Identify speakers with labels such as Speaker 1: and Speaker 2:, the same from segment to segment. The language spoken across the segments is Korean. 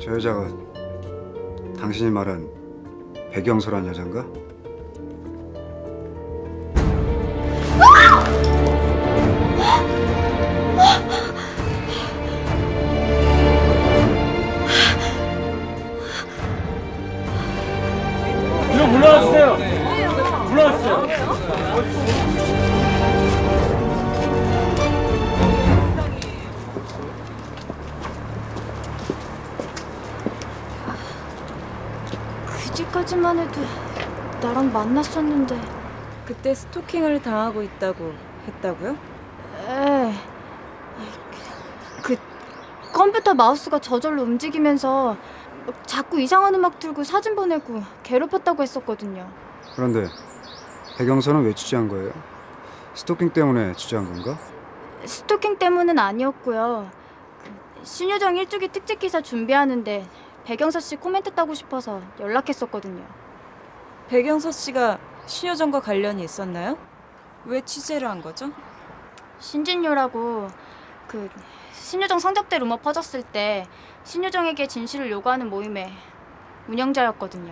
Speaker 1: 저 여자가 당신이 말한 백영소란 여잔가?
Speaker 2: 이거 불러주세요. 불러주세요.
Speaker 3: 그제까지만 해도 나랑 만났었는데.
Speaker 4: 그때 스토킹을 당하고 있다고 했다고요?
Speaker 3: 에. 그 컴퓨터 마우스가 저절로 움직이면서 자꾸 이상한 음악 틀고 사진 보내고 괴롭혔다고 했었거든요.
Speaker 1: 그런데 백영소는 왜 취재한 거예요? 스토킹 때문에 취재한 건가?
Speaker 3: 스토킹 때문은 아니었고요. 신유정 일주기 특집 기사 준비하는데 백영서 씨 코멘트 따고 싶어서 연락했었거든요.
Speaker 4: 백영서 씨가 신효정과 관련이 있었나요? 왜 취재를 한 거죠?
Speaker 3: 신진요라고 신유정 성접대 루머 퍼졌을 때 신유정에게 진실을 요구하는 모임의 운영자였거든요.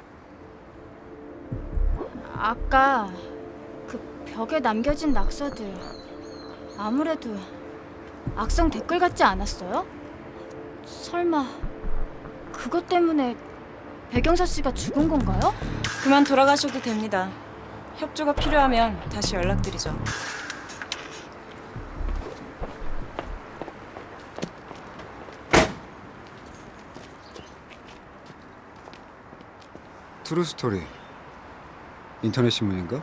Speaker 3: 아까 그 벽에 남겨진 낙서들 아무래도 악성 댓글 같지 않았어요? 설마 그것 때문에 백영서 씨가 죽은 건가요?
Speaker 4: 그만 돌아가셔도 됩니다. 협조가 필요하면 다시 연락드리죠.
Speaker 1: 트루스토리 인터넷 신문인가?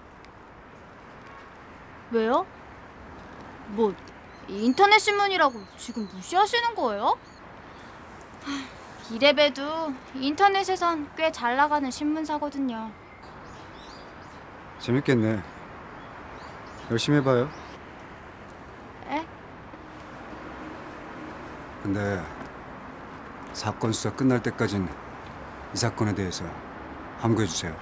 Speaker 3: 왜요? 뭐 인터넷 신문이라고 지금 무시하시는 거예요? 이래봬도 인터넷에선 꽤 잘 나가는 신문사거든요.
Speaker 1: 재밌겠네. 열심히 해봐요.
Speaker 3: 에?
Speaker 1: 근데 사건 수사 끝날 때까진 이 사건에 대해서 함구해 주세요.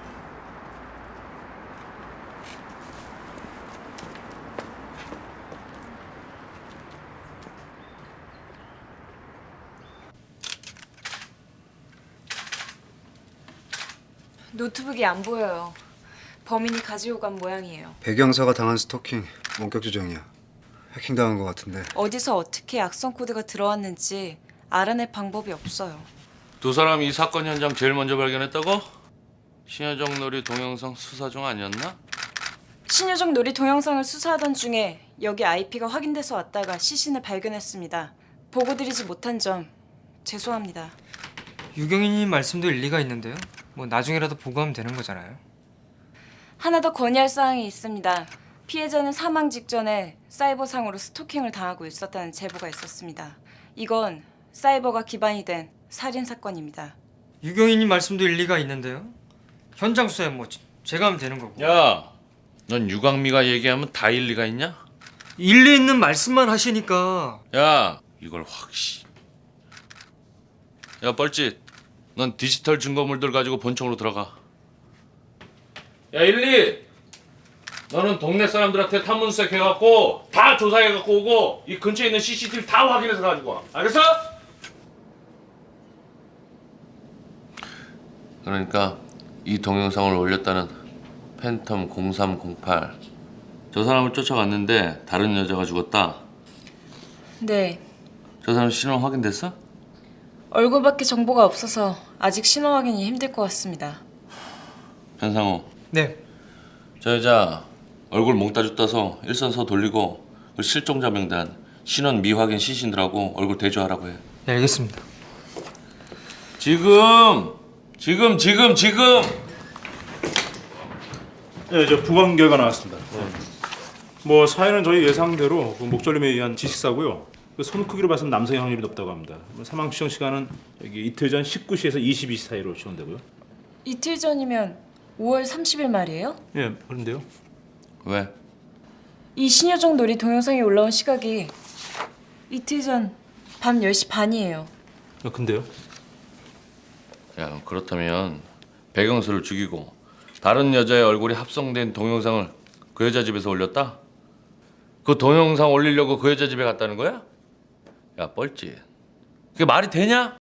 Speaker 4: 노트북이 안 보여요. 범인이 가지고 간 모양이에요.
Speaker 1: 백영서가 당한 스토킹 원격 조정이야. 해킹 당한 것 같은데.
Speaker 4: 어디서 어떻게 악성 코드가 들어왔는지 알아낼 방법이 없어요.
Speaker 5: 두 사람이 이 사건 현장 제일 먼저 발견했다고? 신여정 놀이 동영상 수사 중 아니었나?
Speaker 4: 신효정 놀이 동영상을 수사하던 중에 여기 IP가 확인돼서 왔다가 시신을 발견했습니다. 보고드리지 못한 점 죄송합니다.
Speaker 6: 유경이님 말씀도 일리가 있는데요. 뭐 나중에라도 보고하면 되는 거잖아요.
Speaker 4: 하나 더 건의할 사항이 있습니다. 피해자는 사망 직전에 사이버상으로 스토킹을 당하고 있었다는 제보가 있었습니다. 이건 사이버가 기반이 된 살인 사건입니다.
Speaker 6: 유경이님 말씀도 일리가 있는데요. 현장 수사에 뭐 제가 하면 되는 거고.
Speaker 5: 야, 넌 유광미가 얘기하면 다 일리가 있냐?
Speaker 6: 일리 있는 말씀만 하시니까.
Speaker 5: 야, 이걸 확시. 야, 뻘짓. 넌 디지털 증거물들 가지고 본청으로 들어가. 야, 일리. 너는 동네 사람들한테 탐문수색 해갖고 다 조사해갖고 오고 이 근처에 있는 CCTV 다 확인해서 가지고 와. 알겠어? 그러니까 이 동영상을 올렸다는 팬텀 0308 저 사람을 쫓아갔는데 다른 여자가 죽었다.
Speaker 4: 네,
Speaker 5: 저 사람 신원 확인됐어?
Speaker 4: 얼굴밖에 정보가 없어서 아직 신원 확인이 힘들 것 같습니다.
Speaker 5: 변상호,
Speaker 6: 네.
Speaker 5: 저 여자 얼굴 몽따주 떠서 일선서 돌리고 그 실종자 명단 신원 미확인 시신들하고 얼굴 대조하라고 해.
Speaker 6: 네, 알겠습니다.
Speaker 5: 지금.
Speaker 2: 네, 저 부검 결과 나왔습니다. 뭐 사연은 저희 예상대로 그 목절림에 의한 지식사고요. 그 손 크기로 봐서는 남성의 확률이 높다고 합니다. 사망 추정 시간은 여기 이틀 전 19시에서 22시 사이로 추정되고요.
Speaker 4: 이틀 전이면 5월 30일 말이에요?
Speaker 2: 예, 그런데요.
Speaker 5: 왜?
Speaker 4: 이 신효정 놀이 동영상이 올라온 시각이 이틀 전 밤 10시 반이에요.
Speaker 2: 근데요?
Speaker 5: 야, 그렇다면 백영수를 죽이고 다른 여자의 얼굴이 합성된 동영상을 그 여자 집에서 올렸다? 그 동영상 올리려고 그 여자 집에 갔다는 거야? 야, 뻘짓. 그게 말이 되냐?